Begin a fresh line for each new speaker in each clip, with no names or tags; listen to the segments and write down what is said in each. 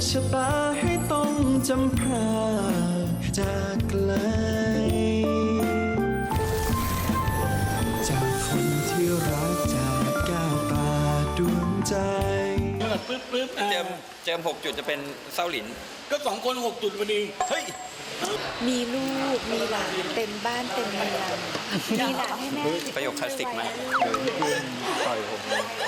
ชะตาให้ต้องจำพรากจากไกลจากคนที่รักจากแก้วตาดวงใจ
ปึ๊บเจิม6 จุดจะเป็นเศร้าหลิน
ก็2 คน6 จุดพอดีเฮ้ย
มีลูกมีหลานเต็มบ้านเต็มเมืองมีหลานให้แม่
ประโยคคลาสสิกไหมต่อยผม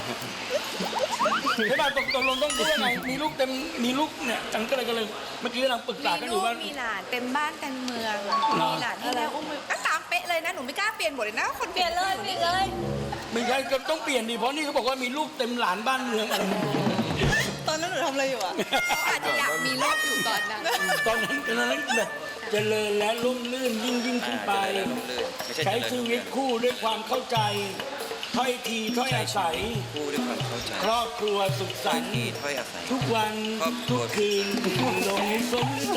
ไม่ได้ตกลงต้องพูดว่าไงมีลูกเต็มมีลูกเนี่ยจังก็เลยเมื่อกี้กำลังปรึกษากันอยู่ว่า
มีหลานเต็มบ้านเต็มเมืองมีหลานให้แม่อุ้มก็ตามเป๊ะเลยนะหนูไม่กล้าเปลี่ยนบทเลยนะคนเปลี่ยนเลย
ไม่ใช่ก็ต้องเปลี่ยนดิเพราะนี่เขาบอกว่ามีลูกเต็มหลานบ้านเมืองอะไร
ตอนนั้นหนูทำอะไรอยู่อ่ะอาจจะอยากมีลูกอยู่ตอนนั้น
แบบเจริญและร่มรื่นยิ่งขึ้นไปใช้ชีวิตคู่ด้วยความเข้าใจถ้อยทีถ้อยอาศัย
คู่ด้วยความเข้าใจ
ครอบครัวสุขสันต์
ถ้อยอาศัย
ทุกวันทุกคืนลงสมใจ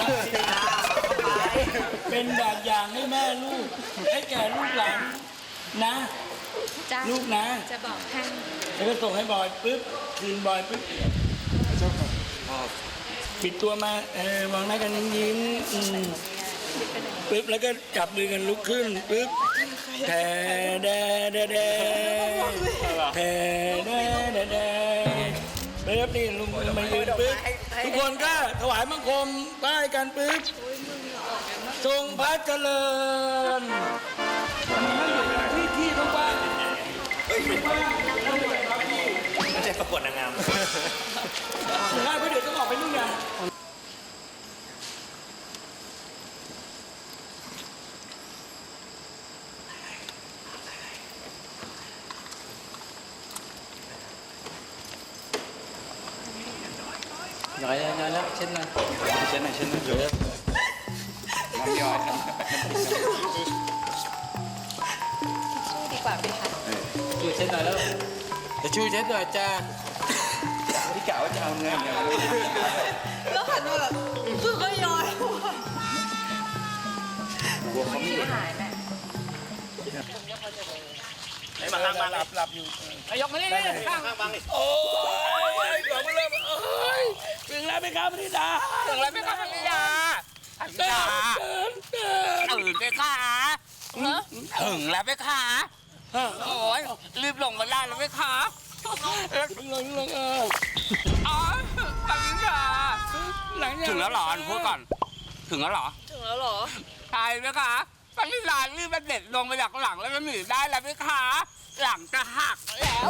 เป็นแบบอย่างให้แม่ลูกให้แก่ลูกหลานนะลูกนะ
จะบอกให้
แล้วก็ส่งให้บอยปึ๊บคืนบอยปึ๊บปิดตัวมามองหน้ากันยิ้มปึ๊บแล้วก็จับมือกันลุกขึ้นปึ๊บแทแดแดแดแทแดแดแดปึ๊บนี่ลุงมายืนปึ๊บทุกคนก็ถวายบังคมป้ายกันปึ๊บทรงพระเจริญที่ต้องว่า
ไม่ใช่ประกวดนางงาม
ง่ายเพราะเดี๋ยวต้องออกไปนู่นไง
น้อยแล้วเช็ดหน่อยเยอะน้ำย่อย
สู้ดีกว่าไหมคะ
ช่วยเช็ดหน่อยแล้วจะช่วยเช็ดหน่อยจ้าที่กล่าวว่าจะเอาเงิน
แล้วหันมาแบบคือก็ย้อย
กลัวเขาไม่
หายแม่
ไอ้มาหลับอยู่
ยกมานี่ข้างบังโอ้ยกลับมาเลยถึงแล้วไหมครับพี่ดา
ถึงแล้วไหมครับพี่ดาตื่นไปค่ะถึงแล้วไหมคะโอ้ยรีบลงมาได้แล้วไหมคะ
ลง
อ๋อปังค่ะถึงแล้วหรอพูดก่อนถึงแล้วหรอใช่ไหมคะปังลารีบมาเด็ดลงมาจากหลังแล้วก็หนีได้แล้วไหมคะหลังจะหักแล้ว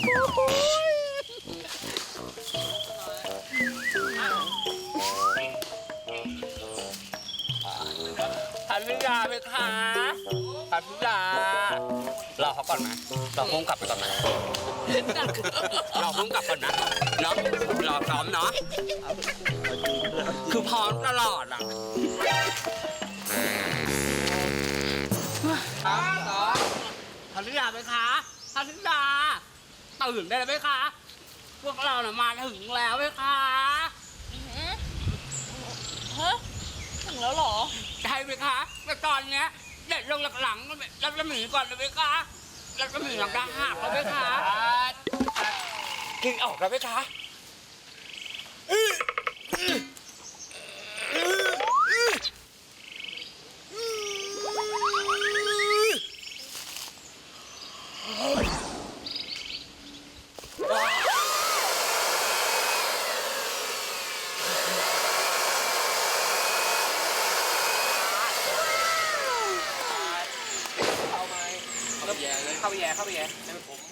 พันธิดาไหมคะพันธิดารอเขาก่อนไหมรอพุ่งกลับไปก่อนไหมรอพุ่งกลับก่อนนะเนาะรอพร้อมเนาะคือพร้อมตลอดอ่ะพันธิดาไหมคะพันธิดาตื่นได้แล้วไหมคะพวกเราเนี่ยมาถึงแล้วไหมคะ
ถึงแล้วหรอ
ใช่ไหมคะแต่ตอนเนี้ยเด็ดลงหลังแล้วจะหนีก่อนเลยไหมคะแล้วก็หนีหลังจะหักแล้วไหมคะกินออกแล้วไหมคะเข้าไปแย่ให้มันผม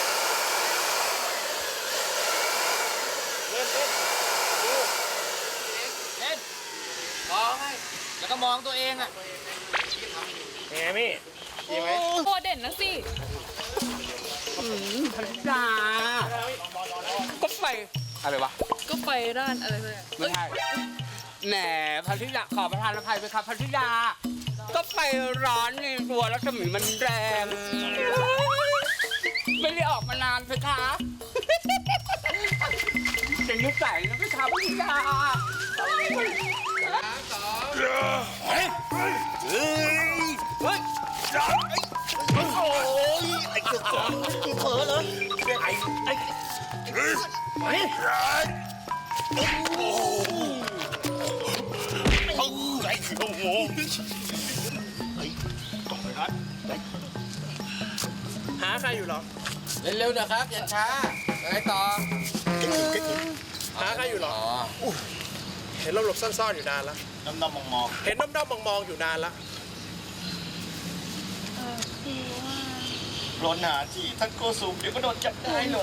เล่นมองให้แล้วก็มองตัวเองอ่ะ
เฮ้ยมี่ดีไหม
โคเด่นนะสิ
พันธิดาก็ไฟอะไรวะ
ก็ไฟร้านอะไรเลย
ไม่ใช่แหมพันธิดาขอประทานอภัยไปครับพันธิดาก็ไฟร้อนในตัวรัศมีมันแรงไม่ได้ออกมานานเลยคะเป็นนิสัยนะพี่ครับพี่ดาเฮ้ยโอ้ยไอ้เจ้าเผลอเลยไอ้โอ้
หาใครอยู่เหรอ
เร็วๆนะครับอย่าช้าอะไรต่อ
หาใครอยู่เหรอเห็นหลบๆซ่อนๆอยู่นานแล้วด้อมๆมองๆเห็นด้อมๆมองๆอยู่นานแล้ว
ร้อนหนาที่ท่านโกสูงเดี๋ยวก็โดนจับได้หรอ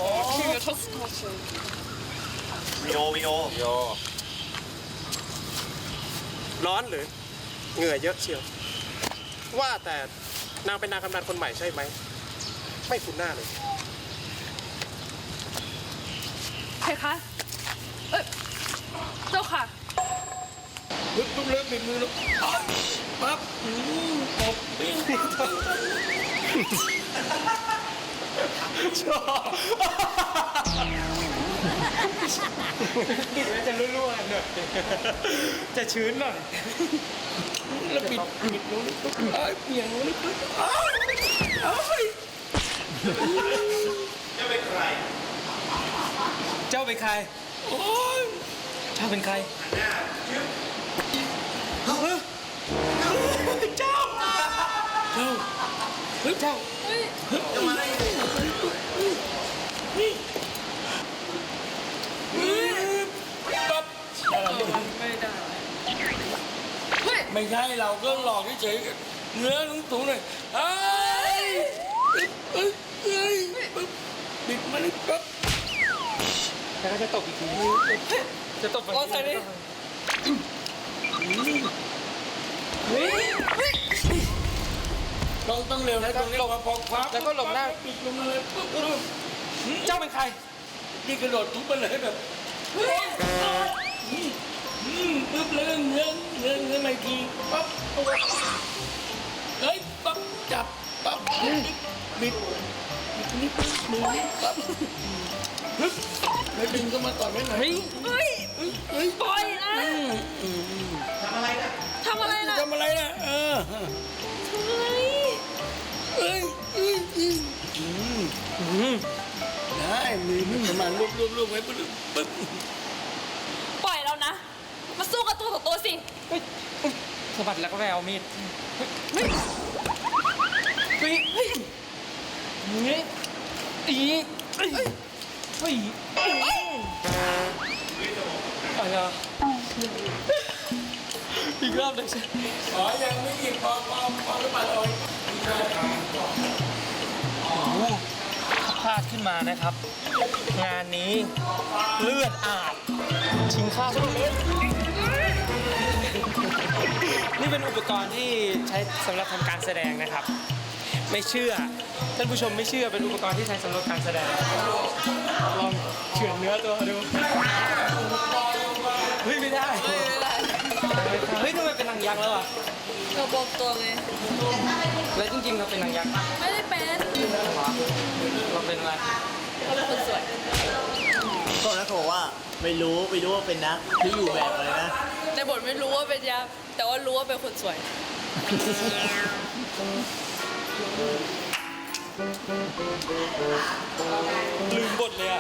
วิดีโอ
ร้อนหรือเหงื่อเยอะเชียว ว่าแต่นางเป็นนางกำนันคนใหม่ใช่ไหม ไม่คุ้นหน้าเลย
ใครคะเจ้าค่ะ
ปึ๊บเริ่มบิดมือแล้วปั๊บตบปิ้ง
จะรั่วๆหน่อยจะชื้นหน่อย
แล้วปิดนู้นปุ๊บเปลี่ยนนู้นปุ๊บเอ้ย
จะเป็นใคร
เจ้าเป็นใคร
โอ้ย
เจ้าเป็นใคร
เจ้าเฮ้ยเจ้าจะมาได้นี่ปั๊บไม่ใช่เราก็หลอกเฉยๆเนื้อสูงๆหน่อยเอ้ยบิดมาเลยปั๊บ
แล้วก็จะตกอีกทีจะตกฝั่งนี้
ต้องเร็วนะต้องเร็วพอคว้า
แล้วก็หลบหน้า
ปิดลงมาเลยปุ๊บ
เจ้าเป็นใคร
นี่กระโดดทุบมันเลยแบบปุ๊บเลยเงี้ยไม่ทีปั๊บเฮ้ยปั๊บจับปั๊บบิดนี่ปุ๊บมือปั๊บปึ๊บแล้วดึงก็มาต่อยไว้หน่อย
เฮ้ยปล่อยนะทำอะไรนะ
ทำอะไรนะทำอะไรได้มือมันประมาณลูบไว้ปึ๊บ
ปล่อยแล้วนะ มาสู้กับตัวต่อตัวสิ
สะบัดแล้วก็ไปเอามีด อีกรอบหนึ่งใช่
อ๋อยังไม่หยิบพอแล้วปัดเอา
พลาดขึ้นมานะครับ งานนี้เลือดอาบชิงข้าวนี่เป็นอุปกรณ์ที่ใช้สำหรับทำการแสดงนะครับ ไม่เชื่อท่านผู้ชมไม่เชื่อเป็นอุปกรณ์ที่ใช้สำหรับการแสดงลองเฉือนเนื้อตัวดูเฮ้ยไม่ได้เฮ้ยทำไมเป็นนางยักษ์แล้วอ่ะ
เราบอกตัวไง
แล้วจริงๆเราเป็นนางยักษ์ปะ
ไม่ได้เป็น
เราเป็นอะไร
คนสวย
โทษนะเขาบอกว่าไม่รู้ว่าเป็นนักที่อยู่แบบอะไรนะ
ในบทไม่รู้ว่าเป็นยักษ์แต่ว่ารู้ว่าเป็นคนสวย
ลืมบทเลยอ่ะ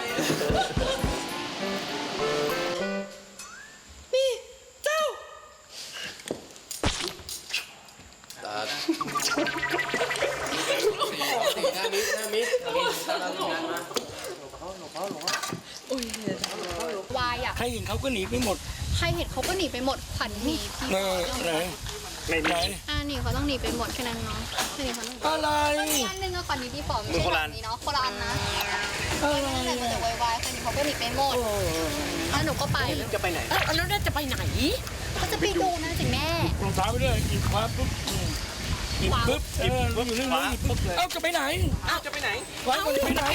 วายอ่ะ
ใครเห็นเขาก็หนีไปหมด
ใครเห็นเขาก็หนีไปหมดขวัญหนีพี่
ไหนไหน
หนีเขาต้องหนีไปหมดแค่นั้นเนาะแค่นี้เขาต้อง
อะไร
อีกอันหนึงอะขวัญหนีพี่ป๋อมไม่ใช่แบบนี้เนาะโคราณนะนั่นแหละมันจะวายๆคนนี้เขาก็หนีไปหมดแล้วหนูก็ไป
จะไปไหน
แล้วน่าจะไปไหน
ก็จะไปดูนะสิแม่
รองเท้าไปด้วยหยิบคว้าปุ๊บหยิบปุ๊บอยู่เรื่องนี้หยิบปุ๊บเอ้าจะไปไหน
จะไปไหน
คว้าก่อนจะไปไหน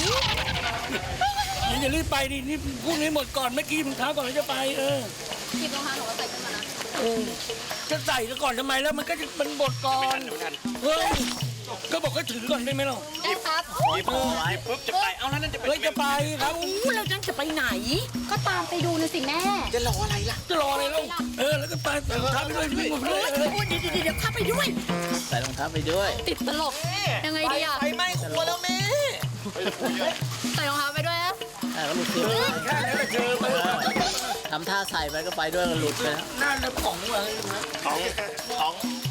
อย่ารีบไปดินี่พูดให้หมดก่อนเมื่อกี้รองเท้าก่อนแล้วจะไป
หยิบรองเท้าหนูก็ใส่ขึ้นมานะ
จะใส่ซะก่อนทำไมแล้วมันก็จะมันบดก่อนเฮ้ยก็บอกให้ถือก่อนได้ไหมเรา
ได้ครับ
หยิบปุ๊บจะไป เอาแล้วนั่นจะไป
เฮ้ยจะไปครับ
เราจะไปไหน
ก็ตามไปดูนะสิแม่
จะรออะไรล่ะแล้วก็ไปรองเท้าไปด้วยวิ่งหมดเลย
เดี๋ยวข้าไปด้วย
ใส่รองเท้าไปด้วย
ติดตลกยังไงดีอะ
ไฟไหม้ครัวแล้วแม่
ใส่รองเท้าไปด้วยนะ
ก็หลุดเสื้อ
แค่นี้ก็เจอไป
ทำท่าใส่ไปก็ไปด้วยก็หลุดไปแล้ว
น่าจะของวะ
ของ